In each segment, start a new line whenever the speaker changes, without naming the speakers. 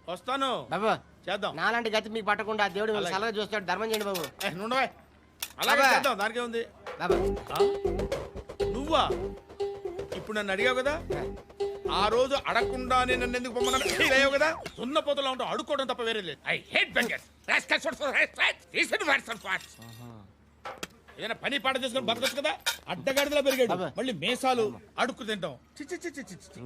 వస్తాను
బాబు
చేద్దాం.
నాలాంటి గతి మీకు పట్టకుండా దేవుడు మిమ్మల్ని సలహా చూస్తాడు. ధర్మం చేయండి బాబు.
నుండవే అలాగే
అబ్బా.
చేద్దాం. దానికే ఉంది.
బాబు
నువ్వా ఇప్పుడు నన్ను అడిగావు కదా, ఆ రోజు అడగకుండానే నన్ను ఎందుకు పొమ్మన్నా ఫీల్ అయ్యావు కదా. సున్న పోతలో ఉంటావు, అడుక్కోవడం తప్ప వేరే లేదు.
I hate beggars. Rascals for respect. Listen words and words.
ఏదైనా పని పాట చేసుకుని బతకొచ్చు కదా. అడ్డగాడిదలా పెరిగాడు,
అబ్బా.
మళ్ళీ మేసాలు అడుక్కు తింటాం. చి చి చి చి చి చి.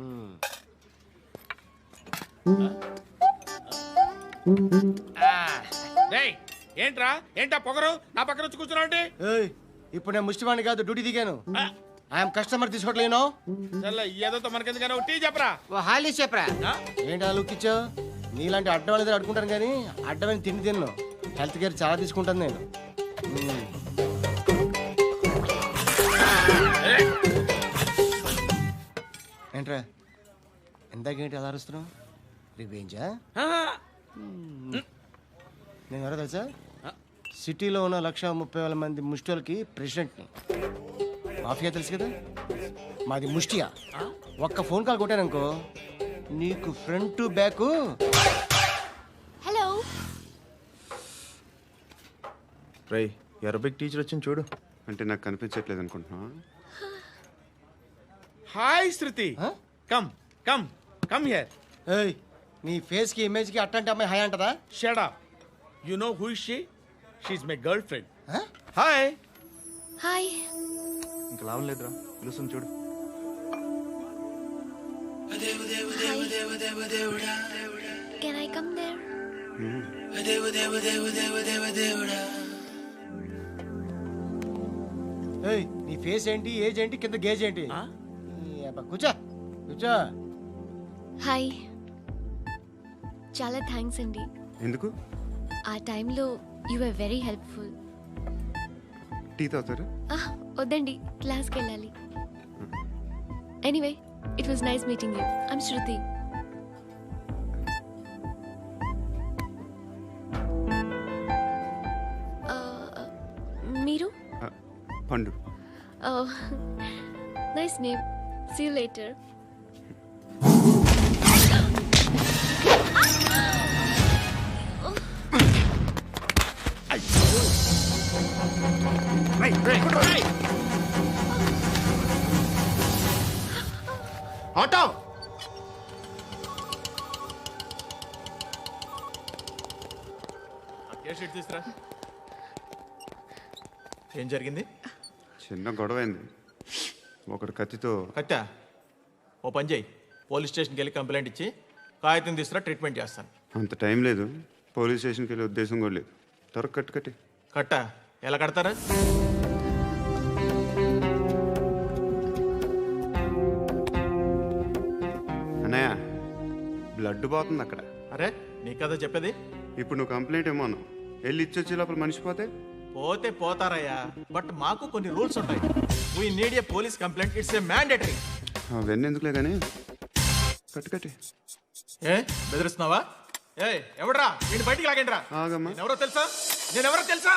డేయ్, ఏంట్రా ఏంటా పొగరు నా పక్కన వచ్చి కూర్చున్నావు అంటే?
ఏయ్, ఇప్పుడు నేను ముష్టివాణి కాదు, డ్యూటీ దిగాను. ఐఎమ్ కస్టమర్ తీసుకోవట్లేను.
ఏదో మనకెందుకైనా టీ చెప్పరా.
ఓ హాలీస్ చెప్పరా.
ఆ?
ఏంటి అలా లుక్ ఇచ్చావు? నీలాంటి అడ్డం వాళ్ళ దగ్గర అడుకుంటాను కానీ అడ్డమైన తిండి తిన్ను. హెల్త్ కేర్ చాలా తీసుకుంటాను నేను. ఏంట్రా ఎందాకేంటి అలా అరుస్తున్నావు? రివేంజా? నేను ఎవరో తెలుసా? సిటీలో ఉన్న 130,000 మంది ముష్టిలకి ప్రెసిడెంట్ని. మాఫియా తెలుసు కదా, మాది ముష్టియా. ఒక్క ఫోన్ కాల్ కొట్టాననుకో నీకు ఫ్రంట్ టు బ్యాక్.
హలో
రై అరబిక్ టీచర్ వచ్చింది చూడు.
అంటే నాకు కనిపించట్లేదు అనుకుంటున్నా.
Hi Shruti, come come come here.
ఏయ్, నీ ఫేస్ కి ఇమేజ్ కి అట్లాంటి అమ్మాయి హాయ్ అంటదా?
Shut up. You know who is she? She is my girlfriend. Hi.
Hi
ఇంకా లాభం లేదురా, పిలుస్తుంది చూడు.
Can I come there?
ఏయ్, నీ ఫేస్ ఏంటి, ఏజ్ ఏంటి, కింద గేజ్ ఏంటి? ఈ అబ్బా, కూర్చో కూర్చో.
హాయ్, చాలా థ్యాంక్స్ అండి.
ఎందుకు?
ఆ టైంలో you are very helpful.
Tea తాగుతారా?
వద్దండి, క్లాస్కి వెళ్ళాలి. Anyway, it was nice meeting you. I'm Shruti. మీరు?
Pandu.
Nice name. See you later.
Auto. తీసురా.
ఏం జరిగింది?
చిన్న గొడవ అయింది. ఒకడు కత్తితో.
కట్టా, ఓ పని చేయి, పోలీస్ స్టేషన్కి వెళ్ళి కంప్లైంట్ ఇచ్చి కాగితం తీసుకురా, ట్రీట్మెంట్ చేస్తాను.
అంత టైం లేదు, పోలీస్ స్టేషన్కి వెళ్ళే ఉద్దేశం కూడా లేదు. త్వరగా కట్టు కట్టి.
కట్టా, ఎలా కడతారా?
అన్నయ్య, బ్లడ్ పోతుంది అక్కడ.
అరే నీ కదా చెప్పేది.
ఇప్పుడు నువ్వు కంప్లైంట్ ఏమో అన్నావు, వెళ్ళి ఇచ్చొచ్చే లోపల మనిషి పోతే?
పోతే పోతారయ్యా, బట్ మాకు కొన్ని రూల్స్ ఉంటాయి. We need a police complaint, it's a mandatory.
అవన్నీ ఎందుకులే కానీ కట్టు కట్టి.
ఏ బెదిరిస్తున్నావా? ఏ ఎవడ్రా నేను బయటికి లాగండి రా.
ఆగమ్మా.
ఎవరో తెలుసా? నేనెవరో తెలుసా?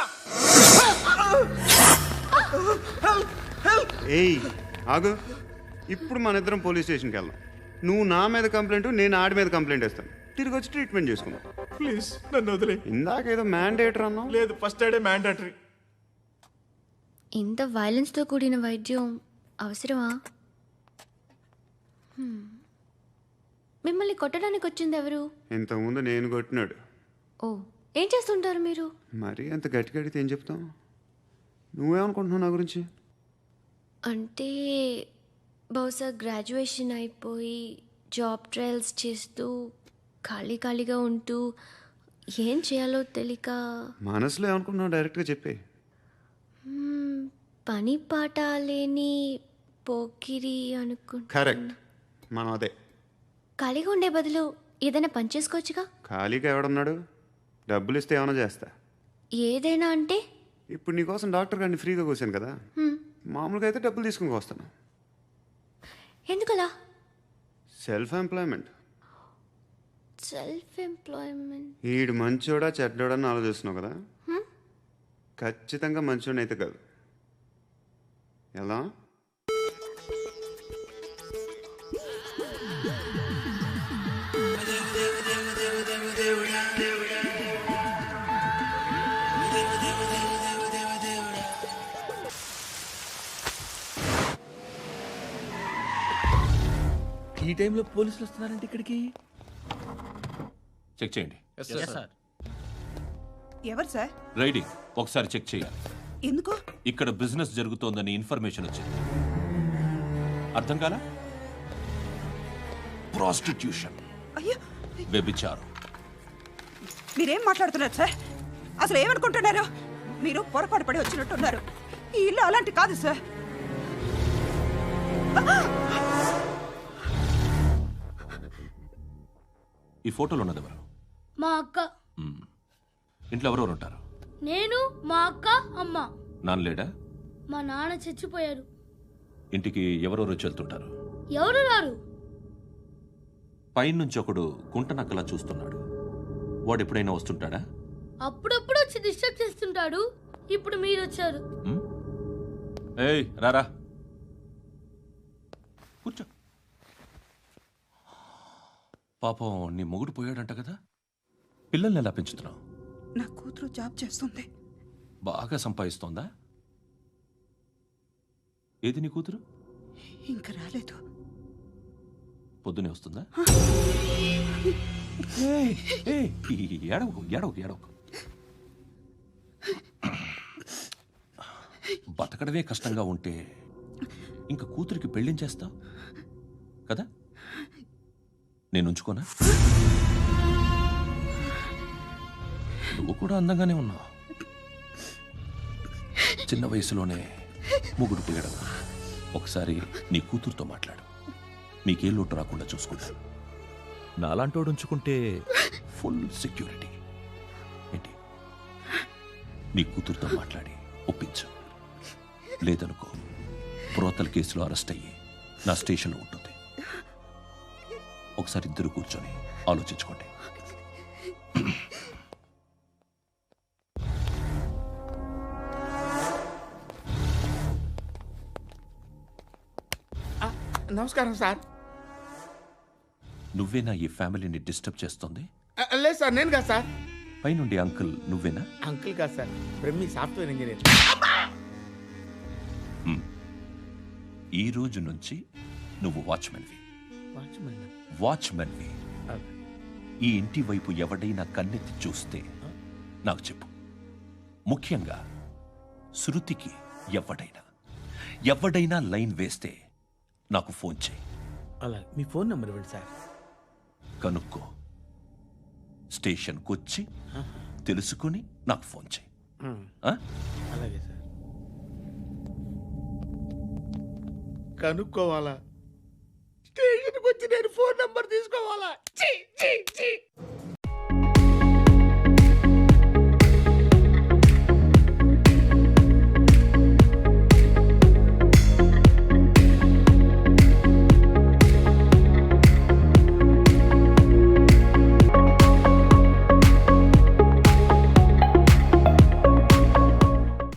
ఏయ్ ఆగు, ఇప్పుడు మన ఇద్దరం పోలీస్ స్టేషన్కి వెళ్దాం. నువ్వు నా మీద కంప్లైంట్, నేను ఆడి మీద కంప్లైంట్ వేస్తాను. తిరిగి వచ్చి ట్రీట్మెంట్ చేసుకుందాం.
ప్లీజ్ నన్ను వదిలే.
ఇందాకేదో మ్యాండేటర్ అన్నావు.
లేదు, ఫస్ట్ ఎయిడే మ్యాండేటరీ.
ఇంత వైలెన్స్తో కూడిన వైద్యం అవసరమా? మిమ్మల్ని కొట్టడానికి వచ్చింది ఎవరు?
ఇంతకుముందు నేను కొట్టినాడు.
ఓ, ఏం చేస్తుంటారు మీరు?
మరీ అంత గట్టి గడితే ఏం చెప్తాం? నువ్వేమనుకుంటున్నావు నా గురించి?
అంటే బహుశా గ్రాడ్యుయేషన్ అయిపోయి జాబ్ ట్రయల్స్ చేస్తూ ఖాళీగా ఉంటూ ఏం చేయాలో తెలియక.
మనసులో ఏమనుకుంటున్నావు డైరెక్ట్గా చెప్పే.
పని పాట లేని పోకిరి అనుకుంటా.
కరెక్ట్, మనం అదే.
ఖాళీగా ఉండే బదులు ఏదైనా పని చేసుకోవచ్చుగా.
ఖాళీగా ఎవడన్నాడు? డబ్బులు ఇస్తే ఏమైనా చేస్తా.
ఏదైనా అంటే?
ఇప్పుడు నీకోసం డాక్టర్ గారిని ఫ్రీగా కూర్చాను కదా, మామూలుగా అయితే డబ్బులు తీసుకుని వస్తాను.
ఎందుకలా?
Self employment.
Self employment.
ఈడు మంచోడా చెడ్డోడా అని ఆలోచిస్తున్నావు కదా, ఖచ్చితంగా మంచోడని అయితే కాదు. ఎలా?
ఈ టైంలో పోలీసులు వస్తున్నారంటే ఇక్కడికి?
చెక్ చేయండి.
ఎవరు సార్?
రైడింగ్ ఒకసారి చెక్ చేయాలి.
ఎందుకు?
ఇక్కడ బిజినెస్ జరుగుతోందని ఇన్ఫర్మేషన్ వచ్చింది. అర్థం కాలా? ప్రాస్టిట్యూషన్,
అయ్యో,
వ్యభిచారం.
మీరేం మాట్లాడుతున్నారు సార్? అసలు ఏమనుకుంటున్నారు? మీరు పొరపాటు పడి వచ్చినట్టున్నారు. ఈ ఇల్లు అలాంటి కాదు సార్.
ఈ ఫోటోలో ఉన్నది ఎవరు?
మా అక్క.
మ్మ్. ఇంట్లో ఎవరెవరు ఉంటారు?
నేను, మా అక్క, అమ్మ.
నాన్న లేడా?
మా నాన్న చచ్చిపోయారు.
ఇంటికి ఎవరెవరు వచ్చి వెళ్తుంటారు?
ఎవరు రారు.
పైనుంచి ఒకడు గుంట నక్కలా చూస్తున్నాడు. వాడు ఎప్పుడైనా వస్తుంటాడా?
అప్పుడప్పుడు వచ్చి డిస్టర్బ్ చేస్తుంటాడు. ఇప్పుడు మీరు వచ్చారు.
మ్మ్? ఏయ్ రారా, కూర్చో. పాపం నీ మొగుడు పోయాడంట కదా, పిల్లల్ని ఎలా పెంచుతున్నావు?
నా కూతురు జాబ్ చేస్తుంది.
బాగా సంపాదిస్తోందా? ఏది నీ కూతురు?
ఇంకా రాలేదు.
పొద్దునే వస్తుందా? ఏయ్, ఏయ్, ఏడవకు ఏడవకు ఏడవకు. బతకడమే కష్టంగా ఉంటే ఇంకా కూతురికి పెళ్ళించేస్తావు కదా? నేను ఉంచుకోనా? నువ్వు కూడా అందంగానే ఉన్నావు. చిన్న వయసులోనే ముగ్గురు పోయడం. ఒకసారి నీ కూతురుతో మాట్లాడు. నీకే లోటు రాకుండా చూసుకుంటాను. నాలాంటోడు ఉంచుకుంటే ఫుల్ సెక్యూరిటీ. ఏంటి? నీ కూతురుతో మాట్లాడి ఒప్పించు. లేదనుకో, ప్రోతల కేసులో అరెస్ట్ అయ్యి నా స్టేషన్లో ఉంటుంది. ఒకసారి ఇద్దరు కూర్చొని ఆలోచించుకోండి.
నమస్కారం సార్.
నువ్వేనా ఈ ఫ్యామిలీని డిస్టర్బ్ చేస్తుంది?
లేదు సార్, నేను కాదు సార్.
పైనుండి అంకుల్ నువ్వేనా?
అంకుల్ కాదు సార్, బ్రహ్మి సాఫ్ట్వేర్ ఇంజనీర్.
ఈ రోజు నుంచి నువ్వు వాచ్మెన్వి.
వాచ్మెన్?
వాచ్మెన్వి. ఈ ఇంటి వైపు ఎవడైనా కన్నెత్తి చూస్తే నాకు చెప్పు. ముఖ్యంగా శృతికి ఎవడైనా లైన్ వేస్తే నాకు ఫోన్ చేయి.
అలా మీ ఫోన్ నెంబర్ ఇవ్వండి సార్.
కనుక్కో, స్టేషన్కి వచ్చి తెలుసుకుని నాకు ఫోన్ చేయి. ఆ?
అలాగే సార్. కనుక్కోవాలా? స్టేషన్కి వచ్చి నేను ఫోన్ నెంబర్ తీసుకోవాలా?